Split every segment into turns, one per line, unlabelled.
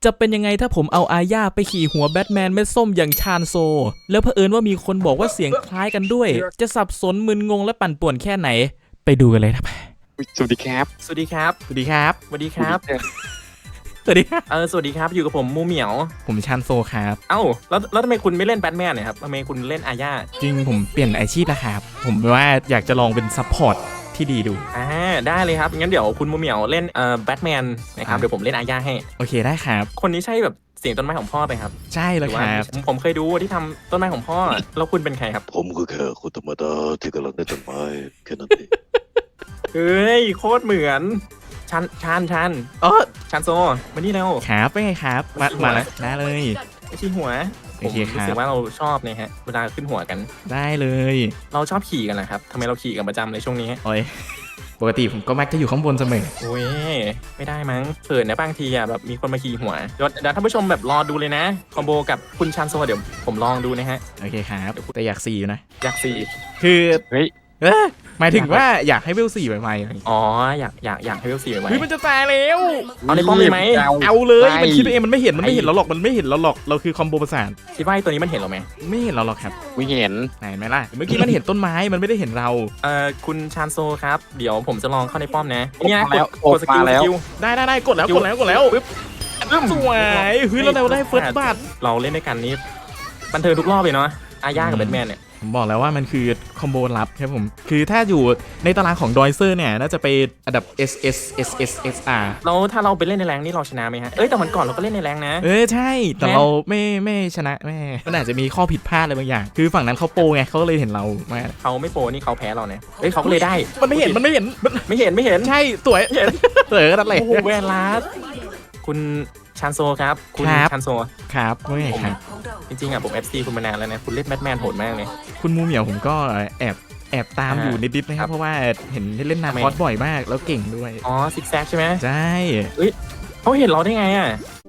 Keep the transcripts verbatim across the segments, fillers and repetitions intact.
จะเป็นยังไงถ้าผมเอาอาญาไปขี่หัวแบทแมนเม็ดส้มอย่างชานโซแล้วเผอิญว่ามีคนบอกว่าเสียงคล้ายกันด้วยจะสับสนมึนงงและปั่นป่วนแค่ไหนไปดูกันเลยครับ
สวัสดีครับ
สวัสดีครับ
สวัสดีครับ
สวัสดีครับ
สวัสดีครับ
เออสวัสดีครับอยู่กับผมมูเหมียว
ผมชานโซครับ
เอ้าแล้วแล้วทำไมคุณไม่เล่นแบทแมนเนี่ยครับทำไมคุณเล่นอาญา
จริงผมเปลี่ยนอาชีพแล้วครับผมว่าอยากจะลองเป็นซัพพอร์ตที่ดีดู
อ่าได้เลยครับงั้นเดี๋ยวคุณมูเหมียวเล่นเอ่อแบทแมนนะครับเดี๋ยวผมเล่นอาญาให้
โอเคได้ครับ
คนนี้ใช่แบบเสียงต้นไม้ของพ่อไปครับ
ใช่แล้วครับ
ผมเคยดูที่ทำต้นไม้ของพ่อแล้วคุณเป็นใครครับ
ผมคือแค่คนธรรมดาที่กำลังได้ต้นไม้แค่นั้นเอง
เฮ้ยโคตรเหมือนชันชันชัน
เออ
ชันโซมานี่แล้ว
ครับเป็นไงครับมามาแล้วได้เลย
ไม่ใช่หัวผมรู้สึกว่าเราชอบเนี่ยฮะเวลาขึ้นหัวกัน
ได้เลย
เราชอบขี่กันนะครับทำไมเราขี่กันประจำเลยช่วงนี้
โอ้ยปกติผมก็มักจะอยู่ข้างบนเสมอ
โอ้ยไม่ได้มั้งเขินนะบางทีอ่ะแบบมีคนมาขี่หัวเดี๋ยวเดี๋ยวท่านผู้ชมแบบรอดูเลยนะคอมโบกับคุณชันโซเดี๋ยวผมลองดูนะฮะ
โอเคครับแต่อยากสี่อยู่นะ
อยากสี่
คือ
เฮ้ย
เออหมายถึงว่าอยากให้เวลสี่ใหม่
ๆอ๋ออยากอยากอยากให้เวลสี่ใหม่ๆ
เฮ้ยมันจะตายแล้ว
เอาในป้อมเลยไหม
เอาเลยมันคิดเองมันไม่เห็นมันไม่เห็นเราหรอกมันไม่เห็นเราหรอกเราคือคอมโบประสาน
คิดว่าตัวนี้มันเห็นเราไหม
ไม่เห็นเราหรอกครับ
ไม่เห็น
ไหนไหมล่ะเมื่อกี้มันเห็นต้นไม้มันไม่ได้เห็นเรา
เอ่อคุณชานโซครับเดี๋ยวผมจะลองเข้าในป้อมนะ
นี่
กด
กดสกิลแล้ว
ได้ได้ได้กดแล้วกดแล้วกดแล้วปึ๊บสวยเฮ้ยเราได้เฟิร์สบัต
เราเล่นด้วยกันนี้บันเทิงทุกรอบเลยเนาะอาญากับแบทแมนเนี่ย
ผมบอกแล้วว่ามันคือคอมโบลับครับผมคือถ้าอยู่ในตารางของดอยเซอร์เนี่ยน่าจะไปอันดับ S S S S S R
แล้วถ้าเราไปเล่นในแรงนี่เราชนะไหมฮะเอ้ยแต่วันก่อนเราก็เล่นในแรงนะ
เออใช่แต่เราไม่ไม่ชนะแม่มันอาจจะมีข้อผิดพลาดอะไรบางอย่างคือฝั่งนั้นเขาโปรไงเขาเลยเห็นเราไม่
เขาไม่โปรนี่เขาแพ้เราเนี่ยเอ้ยเขาก็เลยได้
มันไม่เห็นมันไม่เห็น
ไม่เห็นไม่เห็น
ใช่สวย
เห็น
สวยนั่นแหละ
โอ้โหเวลาคุณชันโซครับคุณชันโซ
ครับว่าไงครับ
จริงๆอ่ะผม เอฟ ซี คุณมานานแล้วนะคุณเล่นแบทแมนโหดมากเลย
คุณมูเหมียวผมก็แอบแอบตามอยู่นิดๆนะครับเพราะว่าเห็นเล่นนาคอสบ่อยมากแล้วเก่งด้วย
อ๋อซิกแซกใช่ไหม
ใช่
เฮ้ยเขาเห็นเราได้ไงอ่ะ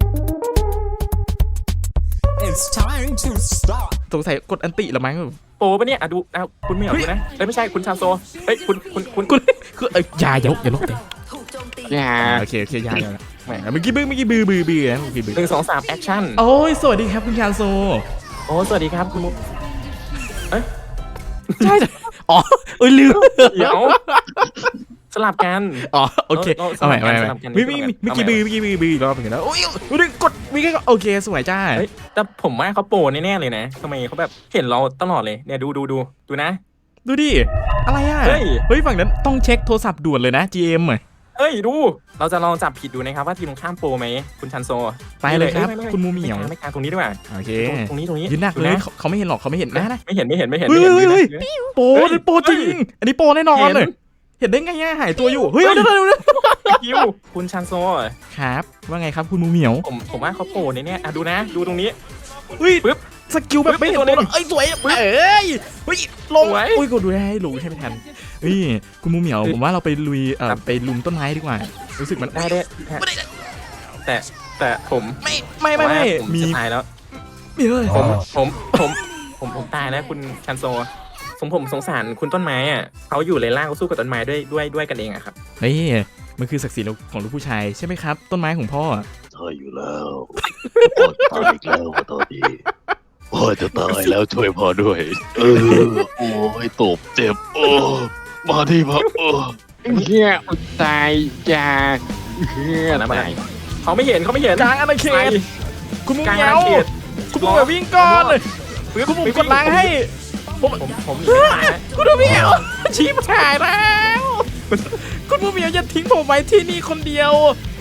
สงสัยกดอันติหรือมั้ง
โปรปะเนี่ยอ่ะดูอ่ะคุณไม่เหรอดูนะเอ้ยไม่ใช่คุณชานโซเฮ้ยคุณคุณคุณ
คุณคือเอ้ยอย่าอย่าลุกอย่าลุกเลย
อย่า
โอเคโอเคอย่าอย่าเมื่อกี้บื้อเมื่อกี้บื้อบื้อบื้อนะเมื่อกี้บื้อ
หนึ่งสองสามแอคชั่น
โอ้ยสวัสดีครับคุณชานโซ
โอ้สวัสดีครับคุณมุกเอ้ย
ใช่อ๋อเอ้ยลืม
เดี๋ยวสลับกัน
อ๋อโอเคเอาใหม่เอาใหม่เมื่อกี้เมื่อกี้บื้อเมื่อกี้บื้อบื้อรอบเหมือนกันแล้วโอ้ยดูกดมีแค่โอเคสวยจ้า
แต่ผมว่าเขาโปรแน่ๆเลยนะทำไมเขาแบบเห็นเราตลอดเลยเนี่ยดูดูดูดูนะ
ดูดิอะไรอ่ะเฮ้ยฝั่งนั้นต้องเช็คโทรศัพท์ด่วนเลยนะ จี เอ็ม อ่ะ
เฮ้ยดูเราจะลองจับผิดดูนะครับว่าทีมข้ามโปรไหมคุณชันโซ
ไปเลยครับคุณมูเหมียว
ไม่กลางตรงนี้ด้วย
โอเค
ตรงนี้ตรงนี้
ยืนหนักเลยเขาไม่เห็นหรอกเขาไม่เห็นนะ
ไม่เห็นไม่เห็นไม่เห็น
เฮ้ยเฮ้ยโปรโปรจริงอันนี้โปรแน่นอนเลยเห็นได้ไงหายตัวอยู่เฮ้ยเดี๋ยวเดี๋ยวเดี๋ยว
คิวคุณชันโซ
ครับว่าไงครับคุณมูเหมียว
ผมผมว่าเขาโปรในเนี้ยอ่ะดูนะดูตรงนี้
เฮ้ยปึ๊บสกิลแบบไม่เห็นเลยเอ้ยสวยเอ้ยเฮ้ยลงโอ้ยกดดูให้ลงให้ไม่ทันเฮ้ยคุณมูเหมียวผมว่าเราไปลุยเอ่อไปลุมต้นไม้ดีกว่ารู้สึกมัน
ได้ได้แต่แต่ผม
ไม่ไม่ไม่ไม่
มีตายแล้ว
มีเลย
ผมผมผมผมผมตายแล้วคุณชันโซสมผมสงสารคุณต้นไม้อ่ะเขาอยู่เลยล่างเขาสู้กับต้นไม้ด้วยด้วยด้วยกันเองอะครับ
เฮ้ยมันคือศักดิ์ศรีของลูกผู้ชายใช่ไหมครับต้นไม้ของพ่อ
ใช่อยู่แล้วพ่อตายอีกแล้วตอนนี้พ่อจะตายแล้วช่วยพ่อด้วยเออโอ้ยตบเจ็บโอ้มาที่พ่อโอ้เฮียตายยาเฮียตาย
เขาไม่เห็นเขาไม่เห็น
กลางอาณาเขตคุณมุ้งเงี้ยวคุณมุ้งแบบวิ่งก่อนคุณมุ้งกดล้างให้
ผมผม
คุณมุ้งเงี้ยวชี้มาถ่ายแล้วคุณมุ้งเงี้ยวอย่าทิ้งผมไว้ที่นี่คนเดียว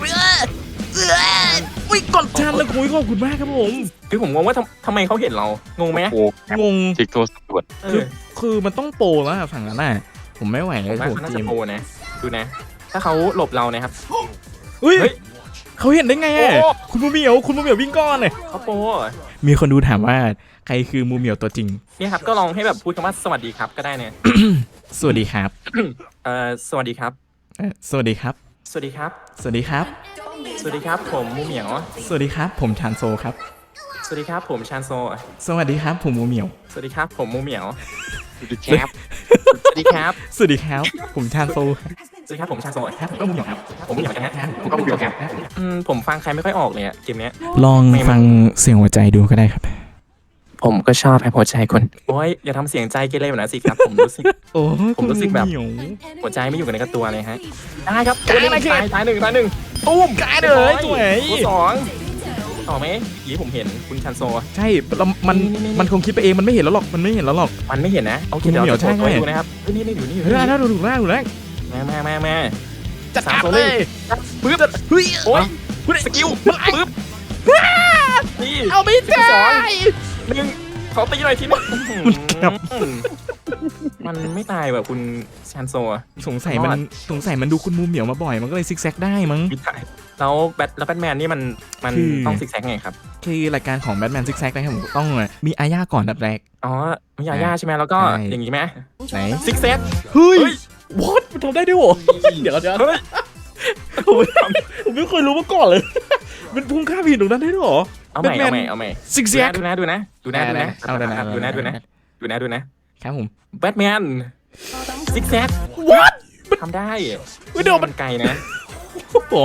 วิ่งกดชันเลยคุยขอบคุณมากครับผม
คือผมงงว่าทำไมเขาเห็นเรางงไหม
งง
จิกโทรศัพท์ด่วน
คือคือมันต้องโปรแล้วฝั่งนั้นน่ะผมไม่ไหวเลยโห
ทีมโปรนะดูนะถ้าเขาหลบเรานะครับ
เฮ้ยเขาเห็นได้ไงอ่ะคุณมูเหมียวคุณมูเหมียววิ่งก้อนเลย
เขาโปร
มีคนดูถามว่าใครคือมูเหมียวตัวจริง
เนี่ยครับก็ลองให้แบบพูดคำว่าสวัสดีครับก็ได้เนี่ย
สวัสดีครับ
เอ่อสวัสดีครับ
สวัสดีครับ
สวัสดีครับ
สวัสดีครับ
สวัสดีครับผมมูเหมียว
สวัสดีครับผมชานโซครับ
สวัสดีครับผมชานโซ
สวัสดีครับผมมูเหมียว
สวัสดีครับผมมูเหมียว
สวัสดีครับ
สวัสดีครับ
สวัสดีครับผมชานโซ
สวัสดีครับผมชาโซ
ครับผมก็มูเหมียวครับ
ผมอยากนะ
ครับผมก็มูเหมียวครับ
อืมผมฟังใครไม่ค่อยออกเลยอะเกมเนี้ย
ลองฟังเสียงหัวใจดูก็ได้ครับ
ผมก็ชอบให้หัวใจคนโอ้ยอย่าทำเสียงใจเกเรแบบนั้นสิครับผมรู้สึก
โอ้
ผมรู้สึกแบบ
เหมียว
หัวใจไม่อยู่กันในกับตัวเลยฮะได้ครับ
กลายอะไรขึ้น
ตายตายหนึ่งตายหนึ่งตุ้ม
กลายเลยสวย
ตัวสองต่อไหมยี่ผมเห็นคุณชันโซ
ใช่แล้วมัน
นี่นี่นี่
มันคงคิดไปเองมันไม่เห็นแล้วหรอกมันไม่เห็นแล้วหรอก
มันไม่เห็นนะโอเค
คุณ
เดี๋ยว
เหมียว
เราจะ
ใช่
กดไว้
ใช่
ดูนะครับเฮ้ยนี่นี่อยู่นี่อยู่
เฮ้ย
นี่
ได้ดูดูแรกดูแรก
มามามามา
จัด
สาม
การ
ตัว
เล
เลย ยปึ๊บ
เฮ้ย
โอ้ย
เฮ้ย
สกิล
มัน
ปึ๊บนี่
เอาไม่ได้
สองหนึ่งขอตีหน่อยทีนึง
มันกลับ
มันไม่ตายแบบคุณชันโซอะ
สงสัยมันสงสัยมันดูคุณมูเหมียวมาบ่อยมันก็เลยซิกแซกได้มั้ง
ไม่ตายแล้วแบทแล้วแบทแมนนี่มันมัน
คือ
ต้องซิกแซกไงครับ
คือรายการของแบทแมนซิกแซกนะครับผมต้องมีอาญาก่อนดับแรก
อ๋อมียาย่าใช่ไหมแล้วก็
ใช่
อย่างนี้ไหม
ไหน
ซิกแซก
เฮ้ย
เฮ้ย
what มันทำได้ด้วยเหรอเดี๋ยวเดี๋ยว
เฮ้ย
ผมไม่ผมไม่เคยรู้มาก่อนเลย มันพุ่งข้ามหินตรงนั้นได้ด้วยเหรอ
เอาใหม่
Batman
เอาใหม่เอาใหม่
ซิกแซก
ดูนะดูนะดูนะดูนะ
เอาได้ได้
ดูนะดูนะดูนะดูนะ
ครับผม
แบทแมนซิกแซก
what
ทำได้
ไม่เดี๋ยวมัน
ไกลนะ
โอ้โห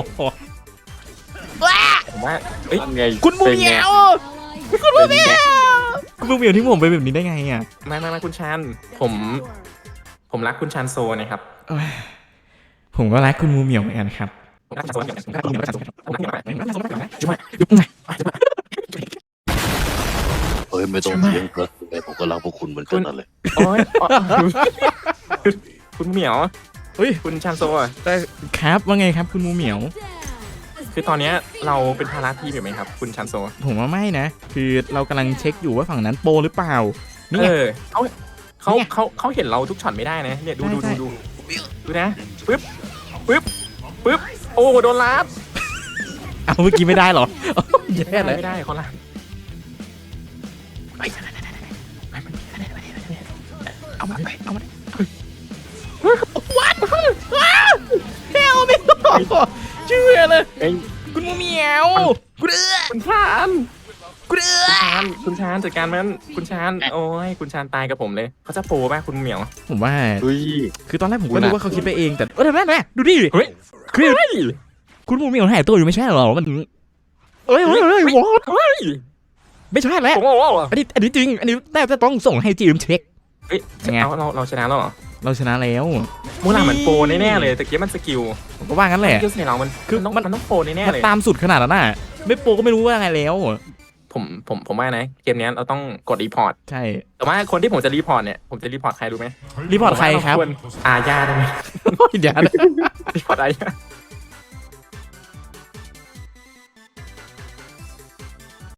ผมว่าเอ้ย
ไง
คุณมูเหมียวคุณมูเหมียวคุณมูเหมียวที่ผมไปแบบนี้ได้ไงอ่ะ
ไม่ไม่ไม่คุณชันผม ผมรักคุณชันโซนะครับ
เอ้ยผมก็รักคุณมูเหมียวเหมือนกันครับ
ผมรักชันโซเหมือนกันผมรักคุณชันโซผมรักคุณชันโซผมรักคุณชันโซผมรักคุณชันโซจุ๊บมา
ยุบไง
เฮ้ยไม่ต้องเถียงกันยังไงผมก็รักพวกคุณเหมือนกันนั่นแหละ
โอ้ยอ๋อคุณเหมียว
เฮ้ย
คุณชันโซอะ
แต่ครับว่าไงครับคุณมูเหมียว
คือตอนเนี้ยเราเป็นภาระทีมอยู่ไหมครับ คุณชันโซ
ผมว่าไม่นะ คือเรากำลังเช็คอยู่ว่าฝั่งนั้นโปรหรือเปล่านี่
เอ
ไง
อเขาเขา
เนี่ย
เขาเขาเห็นเราทุกช็อตไม่ได้นะเนี่ยดูดู
ใช่
ดูดูดูนะปึ๊บปึ๊บปึ๊บโอ้โดนลัด
เอาเมื่อกี้ไม่ได้เหรอแย่
ไม่
เลย
ได้ไม่ได้เขาลัดเอามาเอามา
เฮลไม่บอกเชื่อเลย
เอ้ย
คุณมูเหมียวคุณเอื้อ
คุณชาน
คุณเอื้อ
คุณชานคุณชานจัดการมันคุณชานโอ้ยคุณชานตายกับผมเลยเขาจะโปรป่ะคุณเหมียว
ผมว่า
เฮ้ย
คือตอนแรกผมก็นึกว่าเขาคิดไปเองแต่เออแม่แม่ดูดิ
เฮ้ย
คือ
เฮ้ย
คุณมูเหมียวหายตัวอยู่ไม่ใช่เหรอมันเอ้ยเฮ้ยเฮ้ยวอด
เฮ้ย
ไม่ใช่แล้ว
ผมบอกว่า
อันนี้อันนี้จริงอันนี้แต่จะต้องส่งให้จีมเช็ค
เฮ้ย
ยังไง
เราเราเราชนะแล้วเหรอ
เราชนะแล้ว
มูลาเหมือนโปรแน่ๆเลยแต่เกี้มันสกิล
ผมก็ว่างั้นแหละ
สกิลใส่เรามัน
คือ
มันต้อง
มัน
มันต้องโปรแน่
มัน
ๆเลย
ตามสุดขนาดนั้นน่ะไม่โปรก็ไม่รู้ว่าไงแล้ว
ผมผมผมว่านะเกมเนี้ยเราต้องกดรีพอร์ต
ใช่
แต่ว่าคนที่ผมจะรีพอร์ตเนี่ยผมจะรีพอร์ตใครรู้ไหม
รีพอร์ตใครครับ
ผมว่าเาวอาญาได้ไหม
เดี๋ยวนะ
รีพอร์ตอาญา